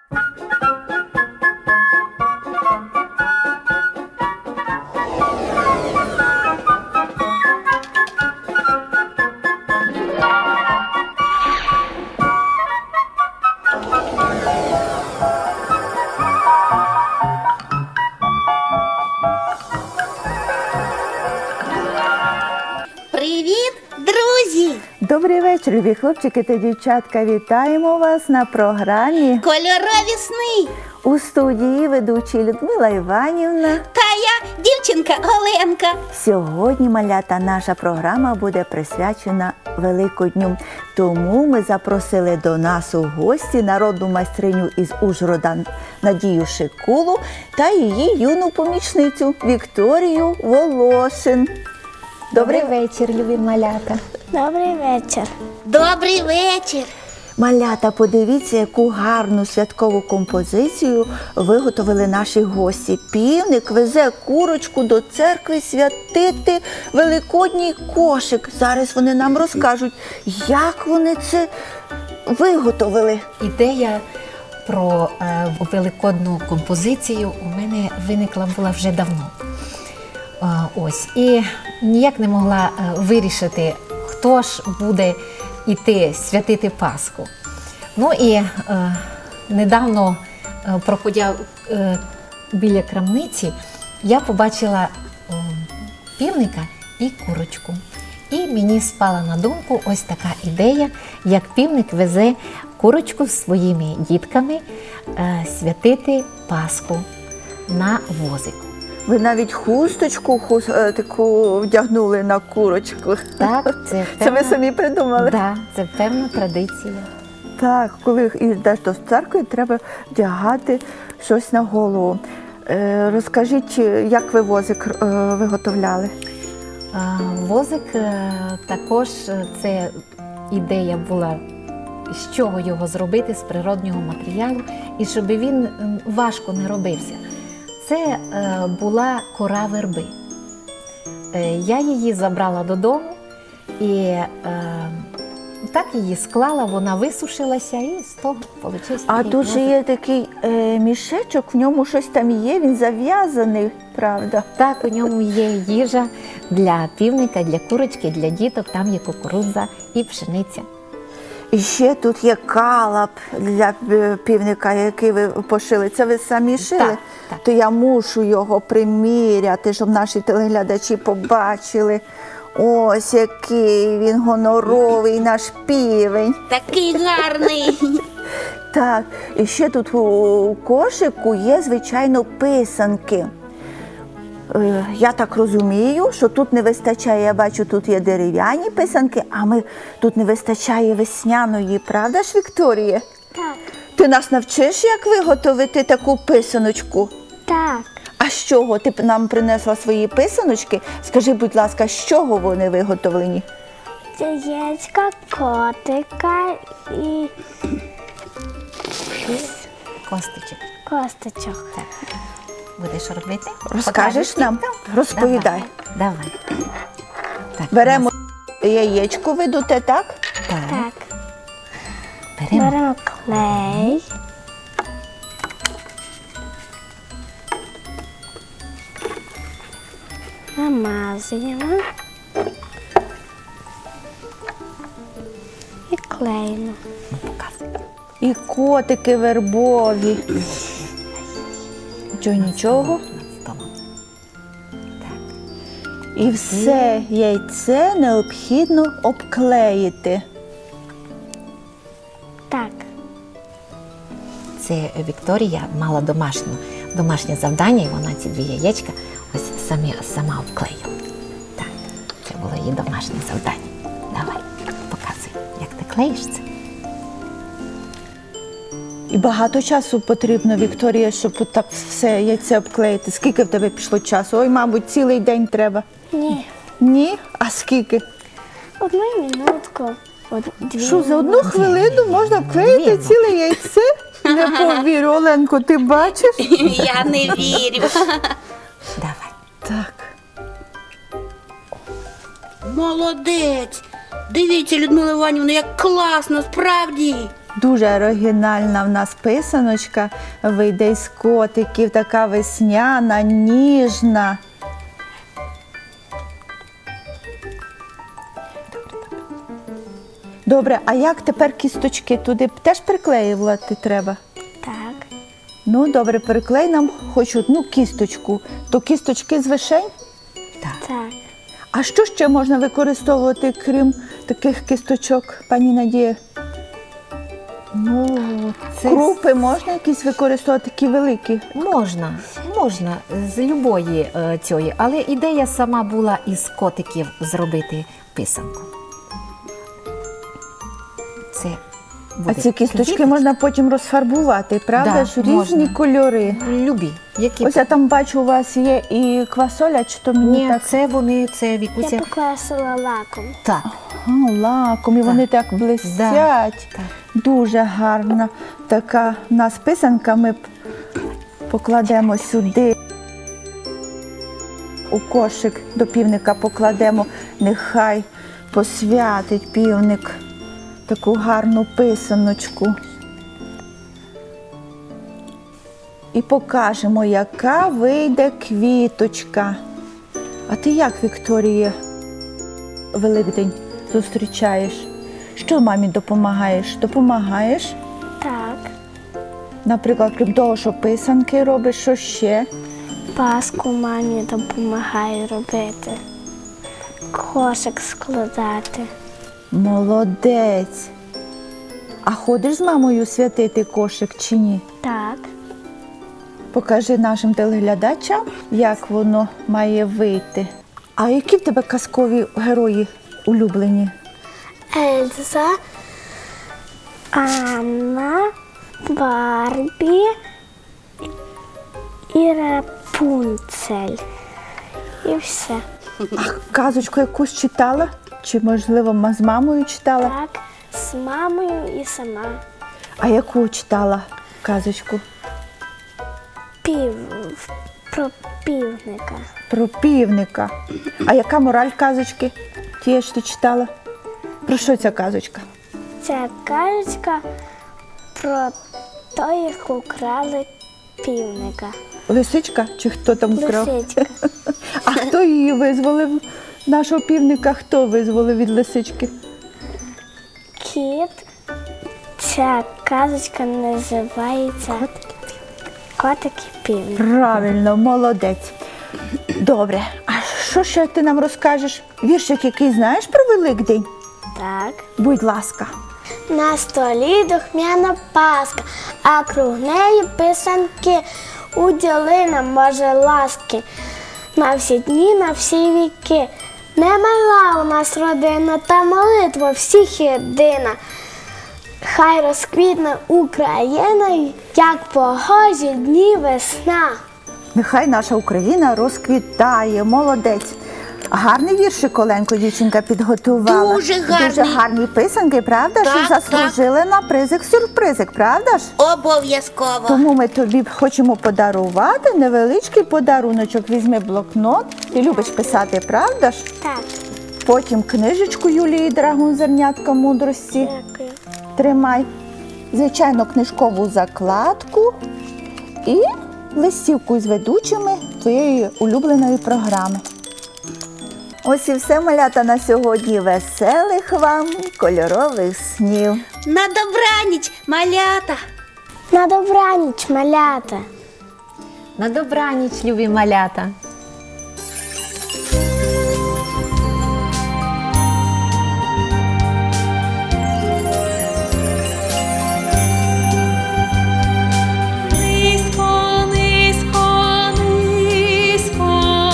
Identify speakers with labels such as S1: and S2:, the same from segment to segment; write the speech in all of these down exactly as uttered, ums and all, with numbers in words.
S1: Привіт, друзі!
S2: Добрий вечір, любі хлопчики та дівчатка. Вітаємо вас на програмі
S1: Кольорові сни!
S2: у студії ведучі Людмила Іванівна.
S1: Та я, дівчинка Оленка.
S2: Сьогодні, малята, наша програма буде присвячена Великодню. Тому ми запросили до нас у гості народну майстриню із Ужгорода Надію Шикулу та її юну помічницю Вікторію Волошин.
S3: Добрий вечір, любі малята.
S4: Добрий вечір.
S1: Добрий вечір.
S2: Малята, подивіться, яку гарну святкову композицію виготовили наші гості. Півник везе курочку до церкви святити великодній кошик. Зараз вони нам розкажуть, як вони це виготовили.
S3: Ідея про е, великодну композицію у мене виникла була вже давно. Е, ось. І ніяк не могла е, вирішити, хто ж буде іти святити Пасху. Ну і е, недавно, е, проходя е, біля крамниці, я побачила е, півника і курочку. І мені спала на думку ось така ідея, як півник везе курочку з своїми дітками е, святити Пасху на возику.
S2: Ви навіть хусточку хус, е, таку вдягнули на курочку.
S3: Так, це,
S2: Це ви самі придумали?
S3: Так, це певна традиція.
S2: Так, коли йдеш до церкви, треба вдягати щось на голову. Е, розкажіть, як ви возик е, виготовляли?
S3: А, возик е, також е, це ідея була, з чого його зробити, з природнього матеріалу, і щоб він м, важко не робився. Це е, була кора верби. Е, я її забрала додому і е, так її склала, вона висушилася і з того вийшов.
S2: А тут же є такий е, мішечок, в ньому щось там є, він зав'язаний, правда?
S3: Так, у ньому є їжа для півника, для курочки, для діток, там є кукурудза і пшениця.
S2: І ще тут є калап для півника, який ви пошили. Це ви самі шили?
S3: Так, так.
S2: То я мушу його приміряти, щоб наші телеглядачі побачили. Ось який він гоноровий, наш півень.
S1: Такий гарний.
S2: Так, і ще тут у кошику є, звичайно, писанки. Е, Я так розумію, що тут не вистачає, я бачу, тут є дерев'яні писанки, а ми тут не вистачає весняної, правда ж, Вікторія?
S4: Так.
S2: Ти нас навчиш, як виготовити таку писаночку?
S4: Так.
S2: А з чого? Ти нам принесла свої писаночки. Скажи, будь ласка, з чого вони виготовлені?
S4: Яєчка, котика і
S3: Костичок.
S4: косточок.
S3: Так. Будеш робити?
S2: Розкажеш
S3: Покажеш
S2: нам?
S3: діткам?
S2: Розповідай.
S3: Давай. Давай. Так,
S2: Беремо
S3: у
S2: яєчко, видуте, так?
S3: нас- Так.
S4: Так.
S3: Беремо.
S4: Беремо клей. Намазуємо. І клеїмо.
S3: Показуй.
S2: І котики вербові. Чого, нічого?
S3: Над столом. Так.
S2: І все яйце необхідно обклеїти.
S4: Так.
S3: Це Вікторія мала домашню, домашнє завдання, і вона ці дві яєчка ось самі, сама обклеїла. Так, це було її домашнє завдання. Давай, показуй, як ти клеїш це.
S2: І багато часу потрібно, Вікторія, щоб от так все яйце обклеїти. Скільки в тебе пішло часу? Ой, мабуть, цілий день треба.
S4: Ні.
S2: Ні? А скільки?
S4: Одну минутку. Од- Дві.
S2: Що, за одну хвилину можна вклеїти
S3: Дві.
S2: ціле яйце? Не повірю, Оленко, ти бачиш?
S1: Я не вірю.
S3: Давай.
S2: Так.
S1: Молодець. Дивіться, Людмила Іванівна, як класно, справді.
S2: Дуже оригінальна в нас писаночка вийде із котиків, така весняна, ніжна. Добре, а як тепер кісточки? Туди теж приклеювати треба?
S4: Так.
S2: Ну, добре, приклей нам хоч одну кісточку. То кісточки з вишень?
S4: Так.
S2: А що ще можна використовувати, крім таких кісточок, пані Надія?
S3: Ну, це
S2: Крупи можна якісь використовувати, такі великі?
S3: можна, можна з любої е, цієї, але ідея сама була із котиків зробити писанку. Це буде
S2: А ці кісточки
S3: квіточка.
S2: можна потім розфарбувати, правда
S3: Да,
S2: ж? Різні
S3: можна.
S2: кольори.
S3: Любі. Які
S2: Ось я там бачу, у вас є і квасоля, чи то мені
S3: Ні,
S2: так?
S3: це вони, це Вікуся.
S4: Я покласила лаком.
S3: Так.
S2: А, лаком, і вони так блистять.
S3: так.
S2: Дуже гарна така в нас писанка. Ми п- покладемо сюди. У кошик до півника покладемо, нехай посвятить півник таку гарну писаночку. І покажемо, яка вийде квіточка. А ти як, Вікторія, Великдень зустрічаєш? Що мамі допомагаєш? Допомагаєш?
S4: Так.
S2: Наприклад, крім того, що писанки робиш, що ще?
S4: Паску мамі допомагаю робити. Кошик складати.
S2: Молодець. А ходиш з мамою святити кошик чи ні?
S4: Так.
S2: Покажи нашим телеглядачам, як воно має вийти. А які в тебе казкові герої улюблені?
S4: Ельза, Анна, Барбі і Рапунцель. І все.
S2: А казочку якусь читала? Чи, можливо, ма- з мамою читала?
S4: Так, з мамою і сама.
S2: А яку читала казочку?
S4: Пів про півника.
S2: Про півника. А яка мораль казочки? Тієї ж ти читала? Про що ця казочка?
S4: Ця казочка про те, як украли півника.
S2: Лисичка чи хто там вкрав?
S4: Лисичка.
S2: А хто її визволив? Нашого півника хто визволив від лисички?
S4: Кіт. Ця казочка називається Котик і півник.
S2: Правильно, молодець. Добре, а що ще ти нам розкажеш? Віршик, який знаєш про Великдень?
S4: Так.
S2: Будь ласка.
S4: На столі духмяна паска, а круг неї писанки. Уділи нам, Боже, ласки, на всі дні, на всі віки. Не мала у нас родина, та молитва всіх єдина. Хай розквітне Україна, як погожі дні весна.
S2: Нехай наша Україна розквітає, молодець. Гарний віршик, Оленко, дівчинка підготувала.
S1: Дуже гарний.
S2: Дуже гарні писанки, правда?
S1: Так,
S2: Що заслужили на призик-сюрпризик, правда ж?
S1: Обов'язково.
S2: Тому ми тобі хочемо подарувати невеличкий подаруночок. Візьми блокнот. Ти любиш писати, правда ж?
S4: Так,
S2: Потім книжечку Юлії Драгун «Зернятка мудрості».
S4: дякую.
S2: Тримай. Звичайно, книжкову закладку і листівку з ведучими твоєї улюбленої програми. Ось і все, малята, на сьогодні. Веселих вам кольорових снів.
S1: На добраніч, малята.
S4: На добраніч, малята.
S3: На добраніч, любі малята.
S5: Низько, низько, низько,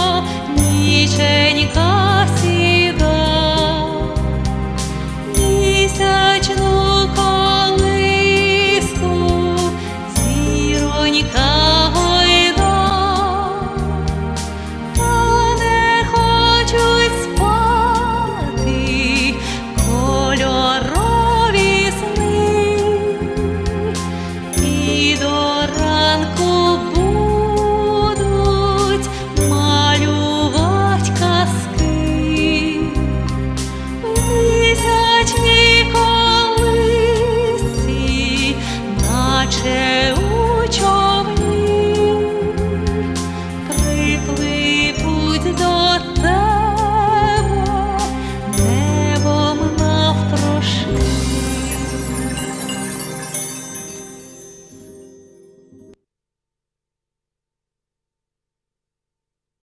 S5: ніченька сіда, місячну колиску, зіронька гойда, та не хочуть спати кольорові сни. І до ранку